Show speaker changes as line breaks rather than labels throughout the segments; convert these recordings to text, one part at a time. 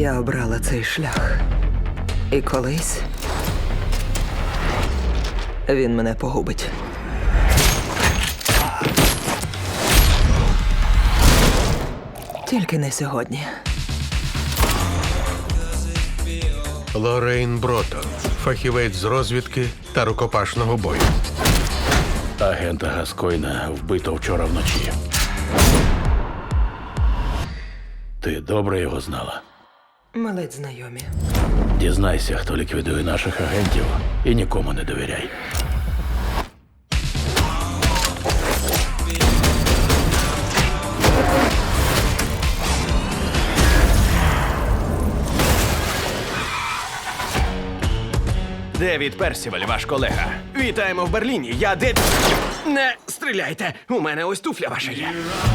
Я обрала цей шлях. І колись він мене погубить. Тільки не сьогодні.
Лоррейн Бротон, фахівець з розвідки та рукопашного бою.
Агента Гаскойна вбито вчора вночі. Ти добре його знала?
Ми ледь знайомі.
Дізнайся, хто ліквідує наших агентів, і нікому не довіряй.
Девід Персіваль, ваш колега. Вітаємо в Берліні. Я Девід... Не стріляйте! У мене ось туфля ваша є.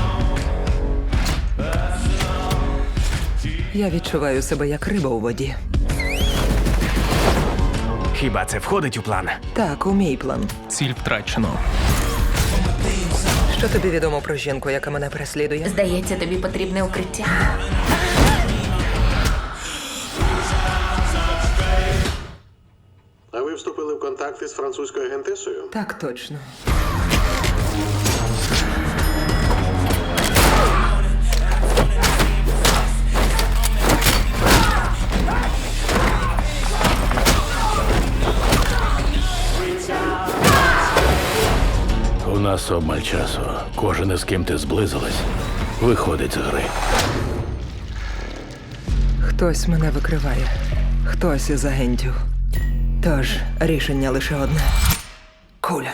Я відчуваю себе як риба у воді.
Хіба це входить у план?
Так, у мій план.
Ціль втрачено.
Що тобі відомо про жінку, яка мене переслідує?
Здається, тобі потрібне укриття.
А ви вступили в контакти з французькою агентесою?
Так точно.
У нас обмаль часу. Кожен, із ким ти зблизилась, виходить з гри.
Хтось мене викриває. Хтось із агентів. Тож рішення лише одне. Куля.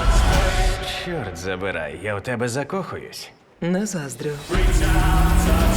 Чорт забирай, я у тебе закохуюсь.
Не заздрю.